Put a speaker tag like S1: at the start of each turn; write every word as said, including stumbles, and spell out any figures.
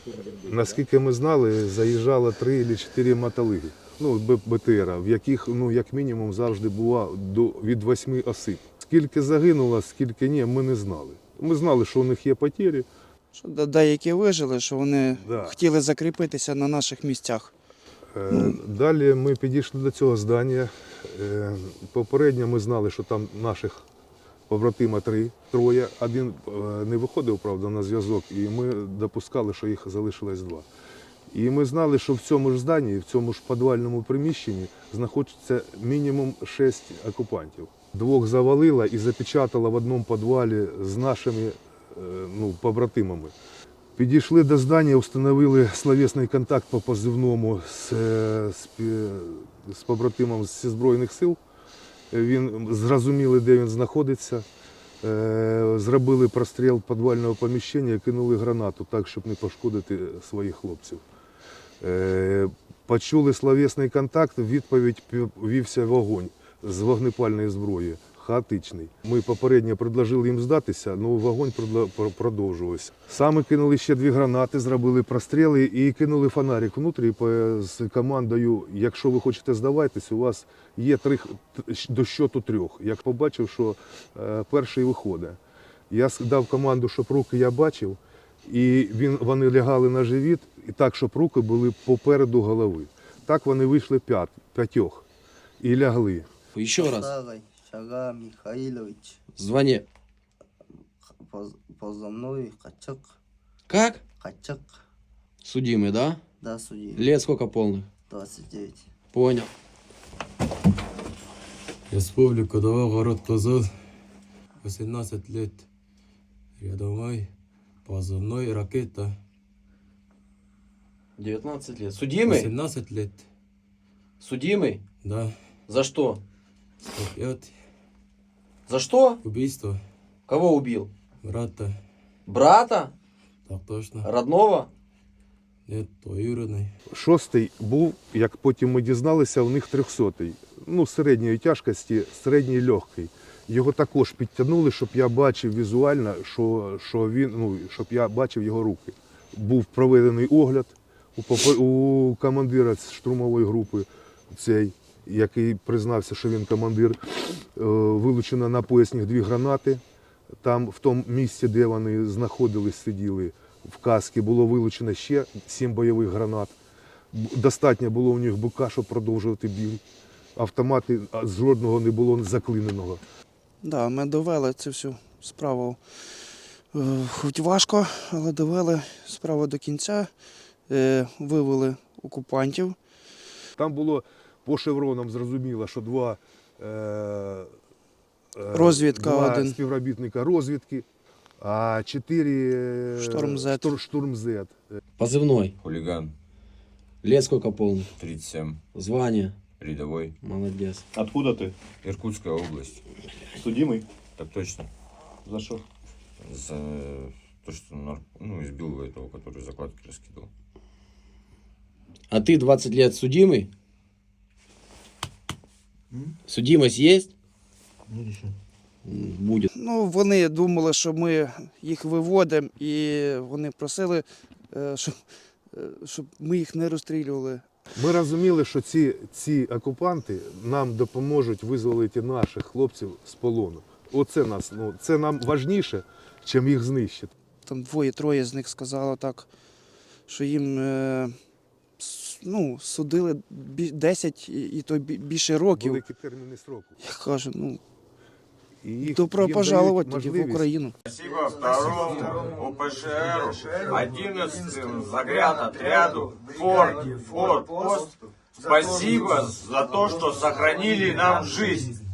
S1: наскільки ми знали, заїжджало три або чотири мотолиги, ну, БТРа, в яких, ну, як мінімум, завжди було до, від восьми осіб. Скільки загинуло, скільки ні, ми не знали. Ми знали, що у них є потері.
S2: Що деякі вижили, що вони
S1: Да.
S2: хотіли закріпитися на наших місцях.
S1: Е, Далі ми підійшли до цього здання. Е, Попередньо ми знали, що там наших побратима три, троє. Один е, не виходив, правда, на зв'язок, і ми допускали, що їх залишилось два. І ми знали, що в цьому ж зданні, в цьому ж підвальному приміщенні знаходиться мінімум шість окупантів. Двох завалило і запечатало в одному підвалі з нашими е, ну, побратимами. Підійшли до здання, встановили словесний контакт по позивному з, з, з побратимом зі Збройних сил. Він зрозуміли, де він знаходиться. Зробили простріл підвального поміщення і кинули гранату так, щоб не пошкодити своїх хлопців. Почули словесний контакт, в відповідь вівся вогонь з вогнепальної зброї. Хаотичний. Ми попередньо предложили їм здатися, але вогонь продовжувався. Саме кинули ще дві гранати, зробили простріли і кинули фонарик внутрі з командою, якщо ви хочете здаватись, у вас є три, до щоту трьох. Як побачив, що е, перший виходить. Я дав команду, щоб руки я бачив, і він, вони лягали на живіт, і так, щоб руки були попереду голови. Так вони вийшли п'ять, п'ятьох і лягли.
S3: Еще раз.
S4: Шага Михайлович.
S3: Звание.
S4: Поз- Позывной Качак.
S3: Как?
S4: Качак.
S3: Судимый, да?
S4: Да, судьи.
S3: Лет сколько полных?
S4: двадцать девять.
S3: Понял.
S5: Республика Дова, город Казан, восемнадцать лет. Рядовой, позывной ракета.
S3: девятнадцать лет. Судимый?
S5: восемнадцать лет,
S3: Судимый?
S5: да.
S3: За что?
S5: сто пять.
S3: За что?
S5: Убийство
S3: Кого убил?
S5: брата.
S3: Брата?
S5: Так точно.
S3: Родного?
S5: Нет, двоюродный.
S1: Шостий був, як потім ми дізналися, у них трьохсотий. Ну, середньої тяжкості, середній легкий. Його також підтягнули, щоб я бачив візуально, що, що він, ну, щоб я бачив його руки. Був проведений огляд у, попе- у командира штурмової групи, цей, який признався, що він командир. Е, Вилучено на поясних дві гранати. Там, в тому місці, де вони знаходились, сиділи, в касці було вилучено ще сім бойових гранат. Б- Достатньо було у них бука, щоб продовжувати бій. Автомати а, з жодного не було заклиненого.
S2: Да, ми довели цю всю справу. Е, Хоч важко, але довели справу до кінця. Е, Вивели окупантів.
S1: Там було по шевронам зрозуміло, що два, е, е,
S2: Розвідка
S1: два
S2: один.
S1: співробітника розвідки, а чотири е,
S2: Штурм Зет.
S1: штур- штурм Зет.
S3: Позывной.
S6: Хулиган,
S3: Лет сколько полных?
S6: тридцать семь,
S3: Звание.
S6: рядовой,
S3: Молодец.
S7: Откуда ты?
S6: Иркутская область.
S7: Судимый?
S6: Так точно.
S7: За что?
S6: За то, что нар- ну, избил этого, который закладки раскидывал.
S3: А ты двадцать лет судимый? Судимость есть? М, Будет.
S2: Ну, вони думали, що ми їх виводимо, і вони просили, е, щоб, е, щоб ми їх не розстрілювали.
S1: Ми розуміли, що ці, ці окупанти нам допоможуть визволити наших хлопців з полону. Оце нас, ну, це нам важніше, чим їх знищити.
S2: Там двоє-троє з них сказало так, що їм е, с- ну, судили бі- десять і, і то бі- більше років.
S1: Великі терміни строку.
S2: Я кажу, ну,
S1: І їх-
S2: добро
S1: їм
S2: пожаловать
S1: дають
S2: тоді в
S1: можливість
S2: Україну.
S8: Спасибо второму УПШРу, одиннадцатому заградотряду, форт, форт, пост. Спасибо за то, что сохранили нам жизнь.